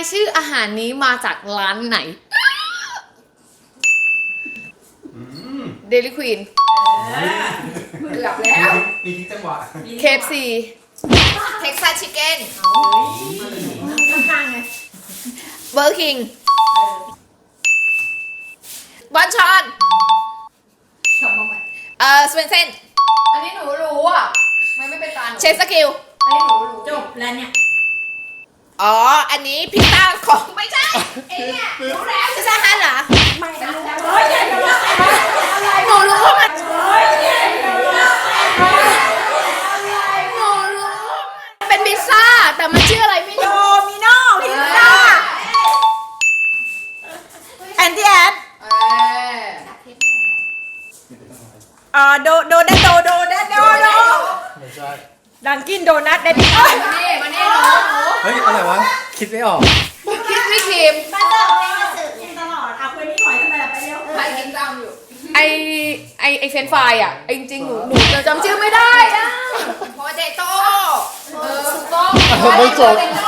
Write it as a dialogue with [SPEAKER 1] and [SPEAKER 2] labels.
[SPEAKER 1] ชื่ออาหารนี้มาจากร้านไหนเดลิควีนเกือบแล้ว
[SPEAKER 2] มีที่จังหวะ
[SPEAKER 1] KFC เท็กซัสชิคเก้น
[SPEAKER 3] ข้างๆไง
[SPEAKER 1] เบอร์คิงบอนชอน
[SPEAKER 3] ชอบมากไป
[SPEAKER 1] สเวนเซน
[SPEAKER 3] อันนี้หนูรู้อ่ะไม่เป็นตาหนู
[SPEAKER 1] เชฟสกิล
[SPEAKER 3] อันนี้หนูรู้
[SPEAKER 4] จบแล้วเนี่ย
[SPEAKER 1] อ๋อ อันนี้พิซซ่าของไม่ใช่
[SPEAKER 3] ไอ้เนี่ยรู้แล้ว
[SPEAKER 1] พิซซ่าฮัทเหรอ
[SPEAKER 3] ไม่รู้แล้ว
[SPEAKER 4] เฮ้ยอย่ารู้อะไร
[SPEAKER 1] หนูรู้ว่ามัน
[SPEAKER 4] เฮ้ยอย่ารู้
[SPEAKER 1] หนูรู้มันเป็นพิซซ่า แต่มันชื่ออะไรไม่
[SPEAKER 4] โด
[SPEAKER 1] รู้
[SPEAKER 4] มิโนพิซซ่าแอนตี้แอดโดนัทโดนัทโด
[SPEAKER 2] ไม่ใช่
[SPEAKER 4] ดังกินโดนัทได้ดิเอ้ย
[SPEAKER 3] มานี่หนู
[SPEAKER 2] เฮ้ย อะไรวะ คิดไม่ออก
[SPEAKER 1] คิดไม่คิม
[SPEAKER 4] มาเติมไปมาสืบกินตลอดเอาคนนี้หน่อยทำไมล่ะไปเร็ว
[SPEAKER 3] ใครกินตามอยู่
[SPEAKER 1] ไอเฟรนช์ฟรายอ่ะไอจริงๆหนูจะจำชื่อไม่ได้อะ
[SPEAKER 3] โพเตโต้
[SPEAKER 1] ถูกต้อง
[SPEAKER 2] ไม่จบ
[SPEAKER 3] เป็นไร